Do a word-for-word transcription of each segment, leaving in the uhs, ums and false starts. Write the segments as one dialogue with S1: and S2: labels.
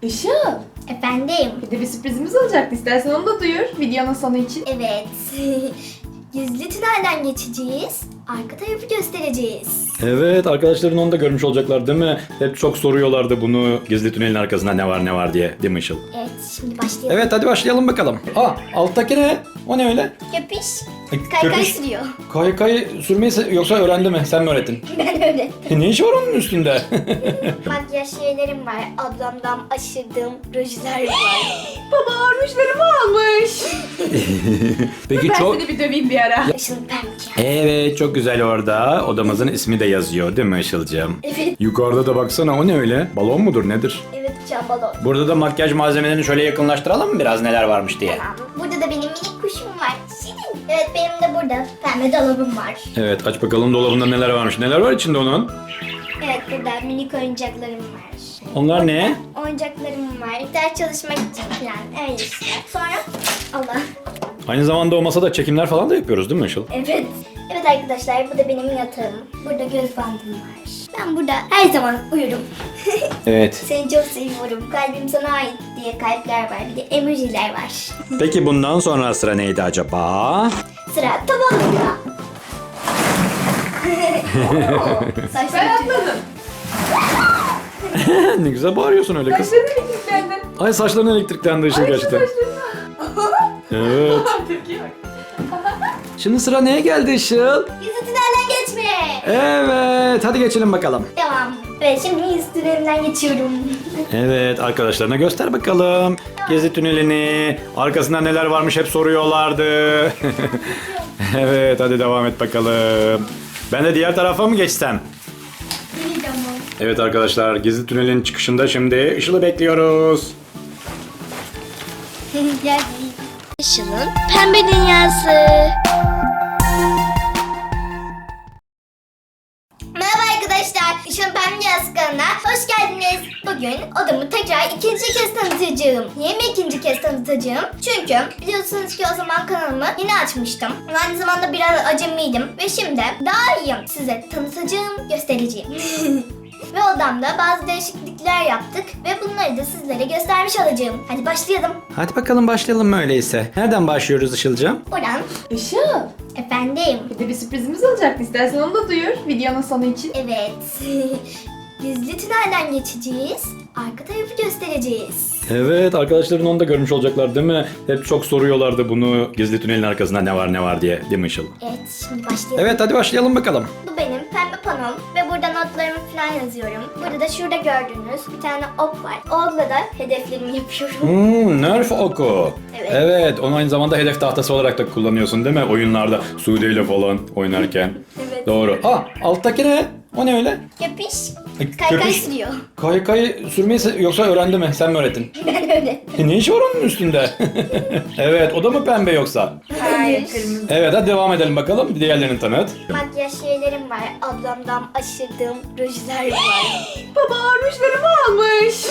S1: Işıl,
S2: Efendim?
S1: bir de bir sürprizimiz olacaktı. İstersen onu da duyur videonun sonu için.
S2: Evet. Gizli tünelden geçeceğiz. Arka tarafı göstereceğiz.
S3: Evet, arkadaşların onu da görmüş olacaklar değil mi? Hep çok soruyorlardı bunu, gizli tünelin arkasında ne var ne var diye, değil mi Işıl?
S2: Evet, şimdi başlayalım.
S3: Evet, hadi başlayalım bakalım. Aa, alttaki ne? O ne öyle?
S2: Köpüş.
S3: Ay,
S2: Kaykay
S3: köpüş.
S2: sürüyor.
S3: Kaykay sürmeyi se- yoksa öğrendi mi? Sen mi öğrettin?
S2: Ben öyle.
S3: E, ne işi var onun üstünde?
S2: Makyaj şeylerim var. Ablamdan aşırdığım rujlar var.
S1: Baba armışlarımı almış.
S3: Peki
S1: Ben
S3: çok...
S1: seni bir döveyim bir ara.
S2: Işıl pembe.
S3: Evet, çok güzel orada. Odamızın ismi de yazıyor değil mi Işıl'cığım?
S2: Evet.
S3: Yukarıda da baksana, o ne öyle? Balon mudur nedir?
S2: Evet, uçan balon.
S3: Burada da makyaj malzemelerini şöyle yakınlaştıralım mı biraz neler varmış diye?
S2: Tamam. Burada da benim minik kuşum var. Şirin. Evet, benim de burada pembe dolabım var.
S3: Evet, aç bakalım dolabında neler varmış. Neler var içinde onun?
S2: Evet, burada minik oyuncaklarım var.
S3: Onlar ne?
S2: Oyuncaklarım var. Ders çalışmak için falan. Öyle işte. Sonra Allah.
S3: Aynı zamanda o masada çekimler falan da yapıyoruz değil mi Işıl?
S2: Evet. Evet arkadaşlar, bu da benim yatağım. Burada göz bandım var. Ben burada her zaman uyurum.
S3: Evet.
S2: Seni çok seviyorum. Kalbim sana ait diye kalpler var. Bir de emojiler var.
S3: Peki bundan sonra sıra neydi acaba?
S2: Sıra tavanında.
S1: Ben
S2: Saçlarım
S1: atladım.
S3: Ne güzel bağırıyorsun öyle kız.
S1: Saçlarını elektriklendin.
S3: Ay saçların elektriklendi Işıl
S1: Ay şu
S3: gerçekten.
S1: saçlarını.
S3: Evet.
S1: Tepkiye bak.
S3: Şimdi sıra neye geldi Işıl?
S2: Gizli tünelden geçme.
S3: Evet, hadi geçelim bakalım.
S2: Devam. Evet, şimdi gizli tünelinden geçiyorum.
S3: Evet, arkadaşlarına göster bakalım. Gezi tünelini, arkasında neler varmış hep soruyorlardı. Evet, hadi devam et bakalım. Ben de diğer tarafa mı geçsem?
S2: İyi tamam.
S3: Evet arkadaşlar, gizli tünelin çıkışında şimdi Işıl'ı bekliyoruz.
S2: Geldi. Işıl'ın pembe dünyası. Merhaba arkadaşlar, Işıl'ın pembe dünyası kanalına hoş geldiniz. Bugün odamı tekrar ikinci kez tanıtacağım. Niye mi ikinci kez tanıtacağım? Çünkü biliyorsunuz ki o zaman kanalımı yeni açmıştım. Aynı zamanda biraz acemiydim ve şimdi daha iyi size tanıtacağım, göstereceğim. Ve odamda bazı değişiklikler yaptık ve bunları da sizlere göstermiş olacağım. Hadi başlayalım.
S3: Hadi bakalım başlayalım öyleyse. Nereden başlıyoruz Işıl'cığım?
S2: Oradan
S1: Işıl,
S2: efendim.
S1: bir de bir sürprizimiz olacaktı. İstersen onu da duyur videonun sonu için.
S2: Evet. Gizli tünelden geçeceğiz. Arka tarafı göstereceğiz.
S3: Evet, arkadaşların onu da görmüş olacaklar değil mi? Hep çok soruyorlardı bunu, gizli tünelin arkasında ne var ne var diye, değil mi Işıl?
S2: Evet, şimdi başlayalım.
S3: Evet, hadi başlayalım bakalım.
S2: Bu benim pembe panom ve burada notlarımı falan yazıyorum. Burada da şurada gördüğünüz bir tane ok var. O okla da hedeflerimi yapıyorum.
S3: Hmm, Nerf oku.
S2: Evet.
S3: Evet, onu aynı zamanda hedef tahtası olarak da kullanıyorsun değil mi? Oyunlarda Sude ile falan oynarken.
S2: Evet.
S3: Doğru. Aa, alttaki ne? O ne öyle?
S2: Köpüş.
S3: Ay,
S2: Kaykay
S3: köpüş.
S2: sürüyor.
S3: Kaykay sürmeyi se- yoksa öğrendi mi? Sen mi öğrettin?
S2: Ben öyle.
S3: E, ne işi var onun üstünde? Evet, o da mı pembe yoksa?
S1: Hayır, kırmızı.
S3: Evet, hadi devam edelim bakalım. Diğerlerini tanıt.
S2: Makyaj şeylerim var. Ablamdan aşırdığım rujlar var.
S1: Baba armışlarımı almış.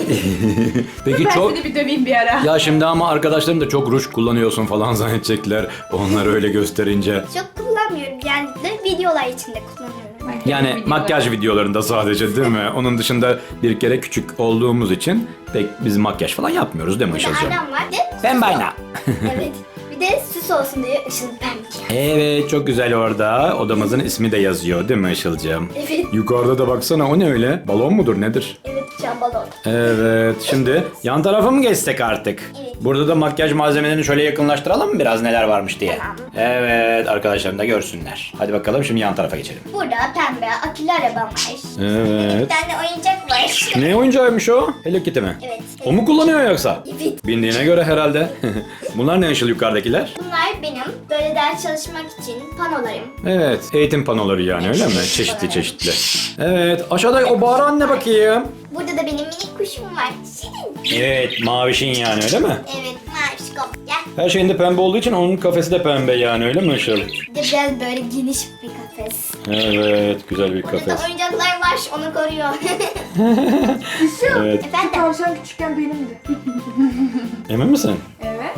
S3: Peki
S1: Ben
S3: çok...
S1: seni bir döveyim bir ara.
S3: Ya şimdi ama arkadaşlarım da çok ruj kullanıyorsun falan zannedecekler. Onları öyle gösterince.
S2: Çok kullanmıyorum. Yani de videolar içinde kullanıyorum.
S3: Yani
S1: Videolar.
S3: makyaj videolarında sadece değil mi? Onun dışında bir kere küçük olduğumuz için pek biz makyaj falan yapmıyoruz değil mi
S2: Bir de
S3: Işıl'cığım?
S2: annem var. Bir de
S3: Ben
S2: süs
S3: bayna.
S2: ol- Evet. Bir de süs olsun diye Işıl pembe.
S3: Evet, çok güzel orada. Odamızın ismi de yazıyor değil mi Işıl'cığım?
S2: Evet.
S3: Yukarıda da baksana, o ne öyle? Balon mudur nedir?
S2: Evet, uçan balon.
S3: Evet, şimdi yan tarafa mı geçsek artık?
S2: Evet.
S3: Burada da makyaj malzemelerini şöyle yakınlaştıralım mı biraz neler varmış diye?
S2: Tamam.
S3: Evet, arkadaşlarım da görsünler. Hadi bakalım şimdi yan tarafa geçelim.
S2: Burada pembe akülü arabam var. Bir
S3: Evet.
S2: tane oyuncak var.
S3: Ne oyuncağıymış o? Hello Kitty mi?
S2: Evet.
S3: O mu kullanıyor yoksa?
S2: Evet.
S3: Bindiğine göre herhalde. Bunlar ne Işıl yukarıdakiler?
S2: Bunlar benim böyle ders çalışmak için panolarım.
S3: Evet, eğitim panoları yani öyle mi? Çeşitli çeşitli. Evet, aşağıda o bağıran ne bakayım?
S2: Burada da benim minik kuşum var. Şirin.
S3: Evet, mavişin yani öyle mi?
S2: Evet, maviş kop. Gel.
S3: Her şeyinde pembe olduğu için onun kafesi de pembe yani öyle mi Işıl?
S2: Bir de biraz böyle geniş bir kafes.
S3: Evet, güzel bir
S2: Burada
S3: kafes.
S2: da oyuncaklar var, onu koruyor.
S1: Işıl.
S3: Evet,
S2: Efendim?
S1: Tavşan küçükken benimdi.
S3: emin misin?
S1: Evet.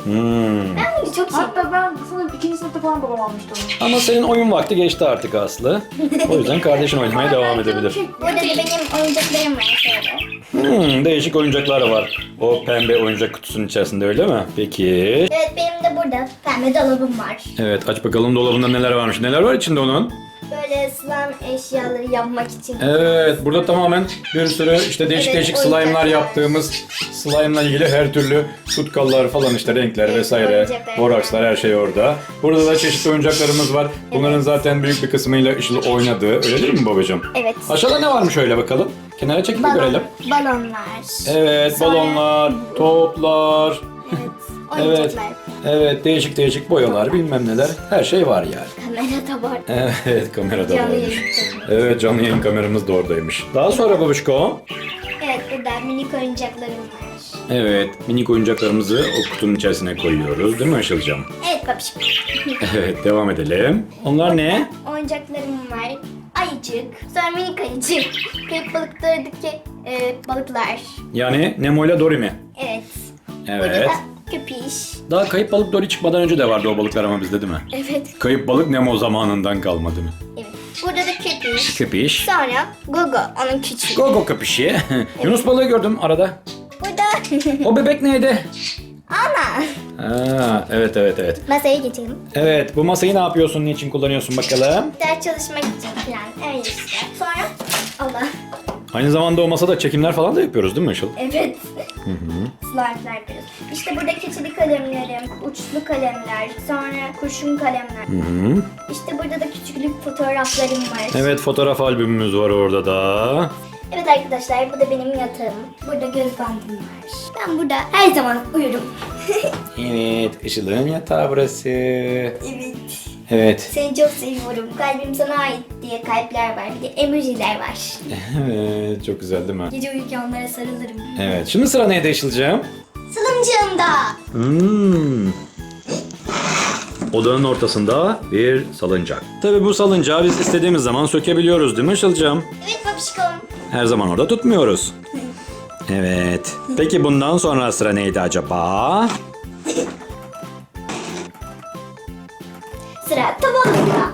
S3: Hmm.
S2: Ben bunu çok seviyorum.
S1: Hatta ben sanırım ikinci sınıfta falan babam almıştı onu.
S3: Ama senin oyun vakti geçti artık Aslı. O yüzden kardeşin oynamaya devam edebilir.
S2: Burada da benim oyuncaklarım var şöyle.
S3: Hmm, değişik oyuncaklar var. O pembe oyuncak kutusunun içerisinde öyle mi? Peki.
S2: Evet benim de burada pembe dolabım var.
S3: Evet, aç bakalım dolabında neler varmış. Neler var içinde onun?
S2: Böyle slime eşyaları yapmak için.
S3: Evet, burada tamamen bir sürü işte değişik
S2: Evet,
S3: değişik
S2: oyuncaklar.
S3: slime'lar yaptığımız, slime'la ilgili her türlü tutkallar falan işte renkler
S2: Evet,
S3: vesaire,
S2: oyuncaklar.
S3: borakslar her şey orada. Burada da çeşitli oyuncaklarımız var. Bunların zaten büyük bir kısmıyla Işıl oynadığı. Öyle değil mi babacığım?
S2: Evet.
S3: Aşağıda ne varmış öyle bakalım? Kenara çekip bir görelim.
S2: Balonlar.
S3: Evet,
S2: Sonra-
S3: balonlar, toplar.
S2: Evet.
S3: Evet.
S2: Oyuncaklar.
S3: Evet, değişik değişik boyalar, bilmem neler. Her şey var yani.
S2: Kamera da var.
S3: Evet, kamera da
S2: Canlı
S3: varmış.
S2: yayın çekmek.
S3: Evet, canlı yayın kameramız da oradaymış. Daha sonra babuşko.
S2: Evet burada minik oyuncaklarım var.
S3: Evet, minik oyuncaklarımızı o kutunun içerisine koyuyoruz. Değil mi Işıl'cığım?
S2: Evet babişim.
S3: Evet, devam edelim. Onlar ne?
S2: Oyuncaklarım var. Ayıcık. Sonra minik ayıcık. Kayıp balıklardaki e, balıklar.
S3: Yani Nemo ile Dory mi?
S2: Evet. Burada
S3: Evet.
S2: da köpiş.
S3: Daha kayıp balık Dory çıkmadan önce de vardı o balıklar ama bizde değil mi?
S2: Evet.
S3: Kayıp balık Nemo zamanından kalma değil mi?
S2: Evet. Burada da köpiş.
S3: Köpiş.
S2: Sonra Gogo. Onun küçüğü.
S3: Gogo köpüşü. Yunus balığı gördüm arada.
S2: Burada
S3: O bebek neydi?
S2: ana.
S3: Ha, evet evet evet.
S2: Masaya geçelim.
S3: Evet, bu masayı ne yapıyorsun, niçin kullanıyorsun bakalım?
S2: Ders çalışmak için falan. Öyle işte. Sonra Allah.
S3: Aynı zamanda o masada çekimler falan da yapıyoruz değil mi Işıl?
S2: Evet. Slime'lar yapıyoruz. İşte burada keçeli kalemlerim, uçlu kalemler, sonra kurşun kalemler.
S3: Hı hı.
S2: İşte burada da küçüklük fotoğraflarım var.
S3: Evet, fotoğraf albümümüz var orada da.
S2: Evet arkadaşlar bu da benim yatağım. Burada göz bandım var. Ben burada her zaman uyurum.
S3: Evet, Işıl'ın yatağı burası.
S2: Evet.
S3: Evet.
S2: Seni çok seviyorum. Kalbim sana ait diye kalpler var. Bir de emojiler var.
S3: Evet, çok güzel değil mi?
S2: Gece uyurken onlara sarılırım.
S3: Evet, şimdi sıra neydi Işıl'cığım?
S2: Salıncağımda.
S3: Hmm. Odanın ortasında bir salıncak. Tabii bu salıncağı biz istediğimiz zaman sökebiliyoruz değil mi Işıl'cığım?
S2: Evet babişkom.
S3: Her zaman orada tutmuyoruz. Evet. Peki bundan sonra sıra neydi acaba?
S2: Sıra tavanında.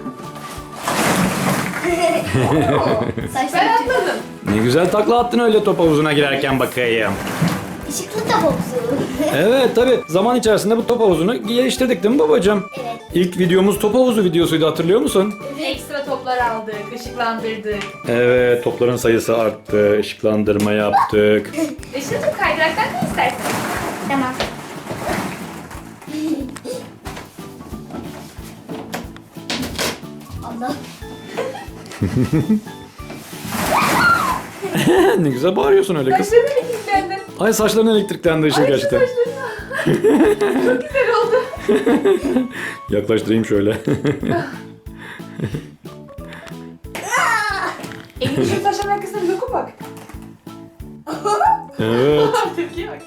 S1: Ben
S2: Saçlarım
S1: atladım.
S3: Ne güzel takla attın öyle top havuzuna girerken bakayım.
S2: ışıklı tavuzu.
S3: Evet tabii zaman içerisinde bu top havuzunu geliştirdik değil mi babacığım?
S2: Evet.
S3: İlk videomuz top havuzu videosuydu, hatırlıyor musun?
S1: Ekstra toplar aldık, ışıklandırdık.
S3: Evet, topların sayısı arttı, ışıklandırma yaptık.
S1: Işıl'cığım kaydıraktan ne istersin?
S2: Tamam. Allah.
S3: Ne güzel bağırıyorsun öyle kız.
S1: Saçlarım elektriklendi.
S3: Ay saçların elektriklendi Işıl
S1: Ay şu
S3: gerçekten.
S1: saçlarına. Çok güzel oldu.
S3: Yaklaştırayım şöyle.
S1: Elini şu saçların arkasına bir doku bak.
S3: Evet.
S1: Tepkiye bak.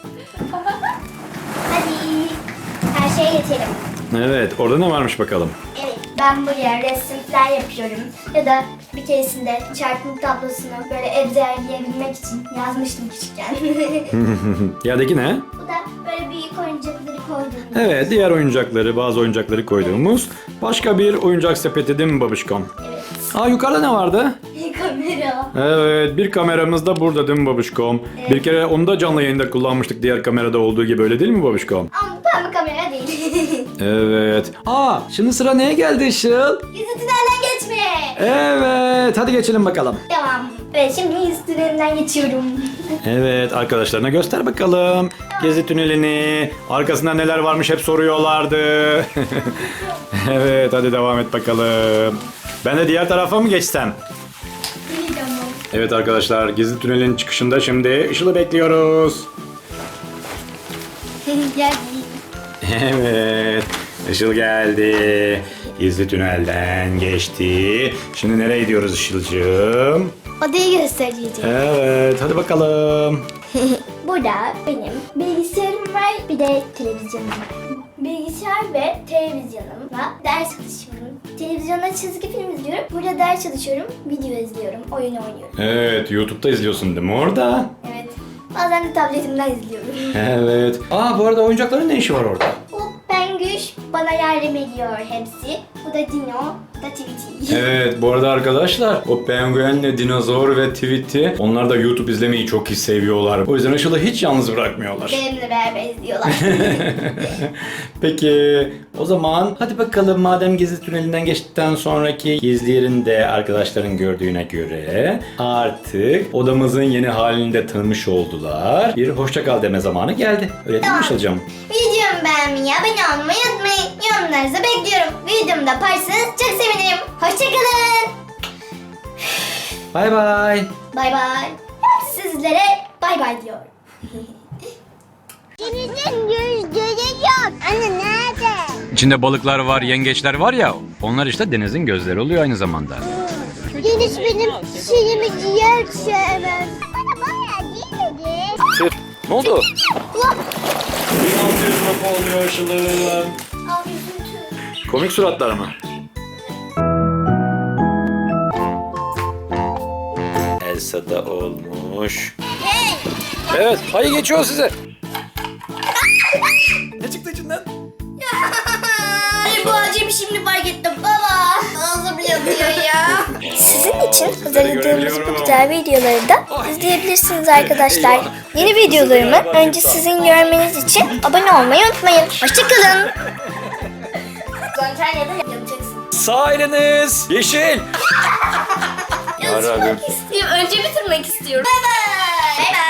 S2: Hadi. Her şeye geçelim.
S3: Evet, orada ne varmış bakalım.
S2: Evet, ben buraya resimler yapıyorum. Ya da bir keresinde çarpım tablosunu böyle ezberleyebilmek için yazmıştım küçükken.
S3: Yerdeki ne?
S2: Bu da böyle büyük oyuncakları koydum.
S3: Evet, diğer oyuncakları, bazı oyuncakları koyduğumuz başka bir oyuncak sepeti değil mi babişkom?
S2: Evet.
S3: Aa, yukarıda ne vardı?
S2: Kamera.
S3: Evet, bir kameramız da burada değil mi babişkom?
S2: Evet.
S3: Bir kere onu da canlı yayında kullanmıştık diğer kamerada olduğu gibi, öyle değil mi babişkom?
S2: Ama bu pembe kamera değil.
S3: Evet. Aa, şimdi sıra neye geldi Işıl?
S2: Gizli tünelden geçme.
S3: Evet, hadi geçelim bakalım.
S2: Devam. Evet şimdi gizli tünelinden geçiyorum.
S3: Evet, arkadaşlarına göster bakalım. Gezi tünelini, arkasında neler varmış hep soruyorlardı. Evet, hadi devam et bakalım. Ben de diğer tarafa mı geçsem?
S2: Tamam.
S3: Evet arkadaşlar, gizli tünelin çıkışında şimdi Işıl'ı bekliyoruz.
S2: Gel.
S3: Evet, Işıl geldi. Gizli tünelden geçti. Şimdi nereye gidiyoruz Işıl'cığım?
S2: Odayı göstereceğim.
S3: Evet, hadi bakalım.
S2: Burada benim bilgisayarım var, bir de televizyonum var. Bilgisayar ve televizyonumla ders çalışıyorum. Televizyonda çizgi film izliyorum. Burada ders çalışıyorum, video izliyorum, oyun oynuyorum.
S3: Evet, YouTube'da izliyorsun değil mi orada?
S2: Evet. Bazen de tabletimden izliyorum.
S3: Evet. Aa, bu arada oyuncakların ne işi var orada?
S2: O Penguş bana yardım ediyor hepsi. Bu da Dino, bu da Tweety.
S3: Evet, bu arada arkadaşlar o penguenle dinozor ve Tweety onlar da YouTube izlemeyi çok iyi seviyorlar. O yüzden Işıl'ı hiç yalnız bırakmıyorlar.
S2: Benimle beraber izliyorlar.
S3: Peki o zaman hadi bakalım madem gizli tünelinden geçtikten sonraki gizli yerinde arkadaşların gördüğüne göre artık odamızın yeni halini de tanımış oldular. Bir hoşça kal deme zamanı geldi. Öyle değil mi
S2: Tamam.
S3: Işıl'cığım?
S2: Videomu beğenmeyi, abone olmayı unutmayın. Yorumlarınızı bekliyorum. Videomu da paylaşırsanız çok sevinirim. Hoşçakalın.
S3: Bay bay.
S2: Bay bay. Sizlere bay bay diyorum.
S4: Denizin gözleri yok. Anne nerede?
S3: İçinde balıklar var, yengeçler var ya onlar işte denizin gözleri oluyor aynı zamanda.
S4: Deniz benim şeyimi ciğer sevmez. Bana bayağı değil dedi.
S3: Ne oldu? oluyor Işıl'ım.
S2: Al üzüntü.
S3: Komik suratlar mı? Elsa da olmuş. Evet, hayır geçiyor size. Ne çıktı içinden?
S2: Ay bu acemi şimdi fark ettim baba. Ağzım yanıyor ya. Sizin için hazırladığımız bu güzel videoları da izleyebilirsiniz arkadaşlar. Yeni videolarımı önce sizin görmeniz için abone olmayı unutmayın. Hoşçakalın. Antalya'da yapacaksın.
S3: Sağ eliniz yeşil.
S2: Yazmak istiyorum. Önce bitirmek istiyorum. Bay bay. Bay bay.